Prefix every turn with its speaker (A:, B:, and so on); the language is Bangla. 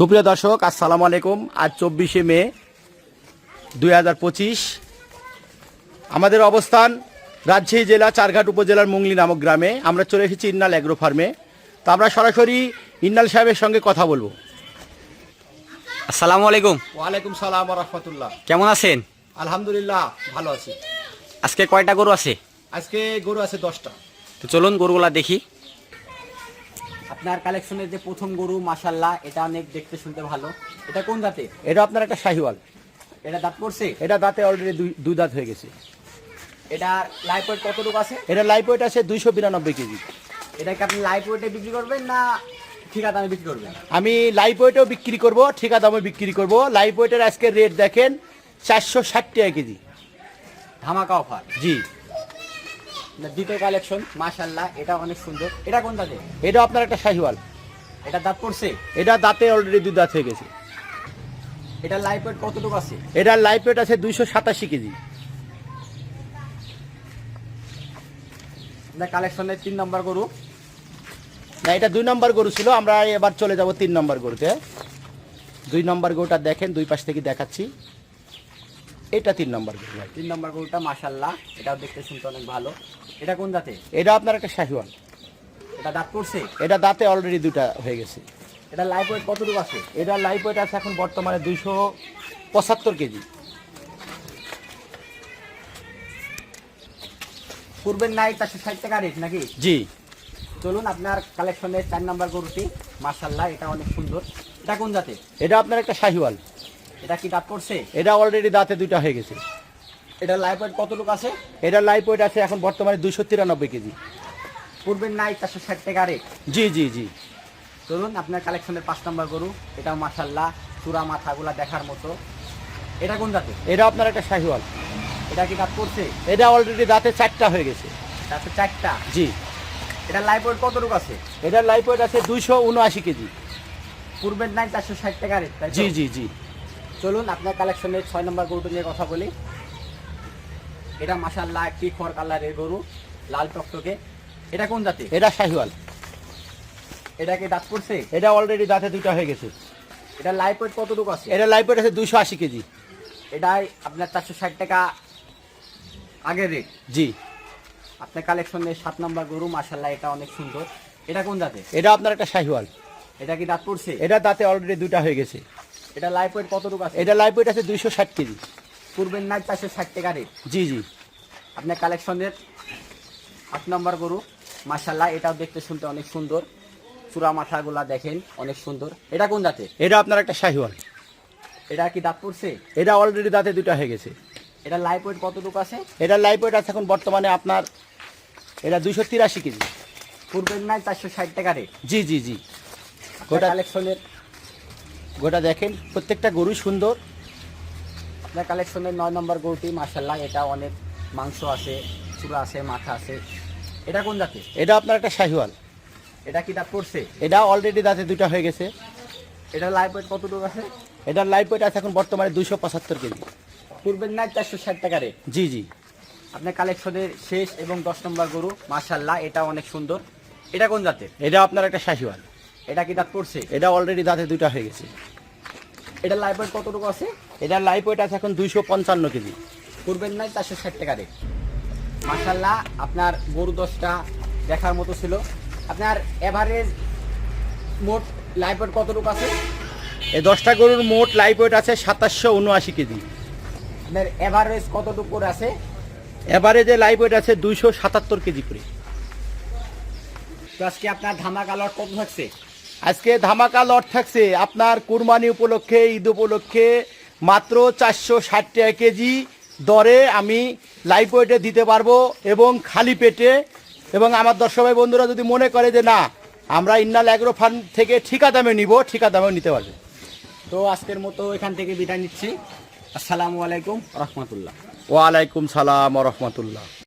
A: সুপ্রিয় দর্শক, আসসালামু আলাইকুম। আজ 24শে মে 2025। আমাদের অবস্থান রাজশাহী জেলা চারঘাট উপজেলার মুংলি নামক গ্রামে। আমরা চলে এসেছি ইন্নাল অ্যাগ্রো ফার্মে। তো আমরা সরাসরি ইন্নাল সাহেবের সঙ্গে কথা বলবো।
B: আসসালামু আলাইকুম।
A: ওয়ালাইকুম সালাম ওয়া রাহমাতুল্লাহ।
B: কেমন আছেন?
A: আলহামদুলিল্লাহ ভালো আছি।
B: আজকে কয়টা গরু আছে?
A: আজকে গরু আছে 10টা।
B: তো চলুন গরুগুলা দেখি। আপনার কালেকশনের যে প্রথম গরু, মাশাআল্লাহ, এটা অনেক দেখতে শুনতে ভালো। এটা কোন জাতের?
A: এটা আপনার একটা শাহিওয়াল।
B: এটা দাঁত পড়ছে?
A: এটা দাঁতে অলরেডি দুই দাঁত হয়ে গেছে।
B: এটার লাইফ ওয়েট কতটুকু আছে?
A: এটা লাইভ ওয়েট আছে 292 কেজি।
B: এটা কি আপনি লাইফ ওয়েটে বিক্রি করবেন না ঠিকা দামে বিক্রি করবেন?
A: আমি লাইভ ওয়েটেও বিক্রি করব, ঠিকা দামে বিক্রি করব। লাইভ ওয়েটের আজকে রেট দেখেন 460 টাকা কেজি,
B: ধামাকা অফার।
A: জি।
B: দ্বিতীয় কালেকশন, মাশাআল্লাহ, এটা অনেক সুন্দর। এটা কোন জাতের?
A: এটা আপনার একটা শাহিওয়াল।
B: এটা দাঁত পড়ছে?
A: এটা দাঁতে অলরেডি দুই দাঁত হয়ে গেছে।
B: এটা লাইফ ওয়েট কতটুকু আছে?
A: এটার লাইভ ওয়েট আছে 287 কেজি।
B: আপনার কালেকশনের 3 নম্বর গরু।
A: না, এটা 2 নম্বর গরু ছিল। আমরা এবার চলে যাব 3 নম্বর গরুতে। 2 নম্বর গরুটা দেখেন, দুই পাশ থেকে দেখাচ্ছি। এটা 3 নম্বর গরু।
B: 3 নম্বর গরুটা মাশাআল্লাহ, এটাও দেখতে শুনতে অনেক ভালো। এটা কোন জাতের?
A: এটা আপনার একটা শাহিওয়াল।
B: এটা দাঁত পড়ছে?
A: এটা দাঁতে অলরেডি দুটা হয়ে গেছে।
B: এটা লাইফ ওয়েট কতটুকু আছে?
A: এটার লাইভ ওয়েট আছে এখন বর্তমানে 275 কেজি।
B: পূর্বের নাই 460 টাকা রেট নাকি?
A: জি।
B: চলুন আপনার কালেকশনের 4 নম্বর গরুটি, মাশাআল্লাহ, এটা অনেক সুন্দর। এটা কোন জাতের?
A: এটা আপনার একটা শাহিওয়াল।
B: এটা কি দাঁত পড়ছে?
A: এটা অলরেডি দাঁতে দুটা হয়ে গেছে।
B: এটা লাইফ ওয়েট কতটুকু আছে?
A: এটার লাইভ ওয়েট আছে এখন বর্তমানে 293 কেজি।
B: পূর্বের নাই 460 টাকা রেট।
A: জি জি জি।
B: চলুন আপনার কালেকশনের 5 নম্বর গরু। এটা মাশাআল্লাহ, চূড়া মাথাগুলা দেখার মতো। এটা কোন জাতের?
A: এটা আপনার একটা শাহিওয়াল।
B: এটা কি দাঁত পড়ছে?
A: এটা অলরেডি দাঁতে 4টা হয়ে গেছে।
B: দাঁতে 4টা?
A: জি।
B: এটা লাইফ ওয়েট কতটুকু আছে?
A: এটার লাইভ ওয়েট আছে 279 কেজি।
B: পূর্বের নাই 460 টাকা রেট, তাই তো?
A: জি জি জি।
B: চলুন আপনার কালেকশনের 6 নম্বর গরুটা নিয়ে কথা বলি। এটা মাশাআল্লাহ একটি খর কালারের গরু, লাল টকটকে। এটা কোন জাতি?
A: এটা শাহিওয়াল।
B: এটা কি দাঁত পড়ছে?
A: এটা অলরেডি দাঁতে দুটা হয়ে গেছে।
B: এটা লাইফ ওয়েট কতটুকু আছে?
A: এটা লাইভ ওয়েট আছে 280 কেজি।
B: এটাই আপনার 460 টাকা আগের রেট।
A: জি।
B: আপনার কালেকশনের 7 নম্বর গরু, মাশাআল্লাহ, এটা অনেক সুন্দর। এটা কোন জাতি?
A: এটা আপনার একটা শাহিওয়াল।
B: এটা কি দাঁত পড়ছে?
A: এটা দাঁতে অলরেডি দুটা হয়ে গেছে।
B: এটা লাইফ ওয়েট কতটুকু আছে?
A: এটা লাইভ ওয়েট আছে 260 কেজি।
B: পূর্বের নাই 460 টাকা রেট।
A: জি জি।
B: আপনার কালেকশনের 8 নম্বর গরু, মাশাআল্লাহ, এটাও দেখতে শুনতে অনেক সুন্দর। চূড়া মাথাগুলা দেখেন অনেক সুন্দর। এটা কোন জাতের?
A: এটা আপনার একটা শাহিওয়াল।
B: এটা কি দাঁত পড়ছে?
A: এটা অলরেডি দাঁতে দুটা হয়ে গেছে।
B: এটা লাইফ ওয়েট কতটুকু আছে?
A: এটা লাইভ ওয়েট আছে এখন বর্তমানে আপনার এটা 283 কেজি।
B: পূর্বের নাই 460 টাকা রেট।
A: জি জি জি।
B: গোটা কালেকশনের
A: গোটা দেখেন, প্রত্যেকটা গরু সুন্দর।
B: আপনার কালেকশনের 9 নম্বর গরুটি, মাশাআল্লাহ, এটা অনেক মাংস আছে, চূড়া আছে, মাথা আছে। এটা কোন জাতের?
A: এটা আপনার একটা শাহিওয়াল।
B: এটা কি দাঁত পড়ছে?
A: এটা অলরেডি দাঁতে দুটা হয়ে গেছে।
B: এটা লাইফ ওয়েট কতটুকু আছে?
A: এটার লাইভ ওয়েট আছে এখন বর্তমানে 275 কেজি।
B: পূর্বের নাই 460 টাকা রেট।
A: জি জি।
B: আপনার কালেকশনের শেষ এবং 10 নম্বর গরু, মাশাআল্লাহ, এটা অনেক সুন্দর। এটা কোন জাতের?
A: এটা আপনার একটা শাহিওয়াল।
B: এটা কি দাঁত পড়ছে?
A: এটা অলরেডি দাঁতে দুটা হয়ে গেছে।
B: এটা লাইফ ওয়েট কতটুকু আছে?
A: এটার লাইভ ওয়েট আছে এখন 255 কেজি।
B: পূর্বের নাই 460 টাকা রেট। মাশাআল্লাহ, আপনার গরু 10টা দেখার মতো ছিল। আপনার এভারেজ মোট লাইফ ওয়েট কতটুকু আছে?
A: এই 10টা গরুর মোট লাইভ ওয়েট আছে 2779 কেজি।
B: আপনার এভারেজ কতটুকু করে আছে?
A: এভারেজে লাইভ ওয়েট আছে 277 কেজি করে।
B: তো আজকে আপনার ধামাকা লট কত থাকছে?
A: আজকে ধামাকা লট থাকছে আপনার কুরবানি উপলক্ষে, ঈদ উপলক্ষে মাত্র 460 টাকা কেজি দরে আমি লাইভ ওয়েটে দিতে পারবো এবং খালি পেটে। এবং আমার দর্শক ভাই বন্ধুরা যদি মনে করে যে না, আমরা ইন্নাল অ্যাগ্রো ফার্ম থেকে ঠিকা দামে নিব, ঠিকা দামেও নিতে পারবে।
B: তো আজকের মতো এখান থেকে বিদায় নিচ্ছি। আসসালামু আলাইকুম রহমতুল্লাহ।
A: ওয়ালাইকুম সালাম ওয়া রাহমাতুল্লাহ।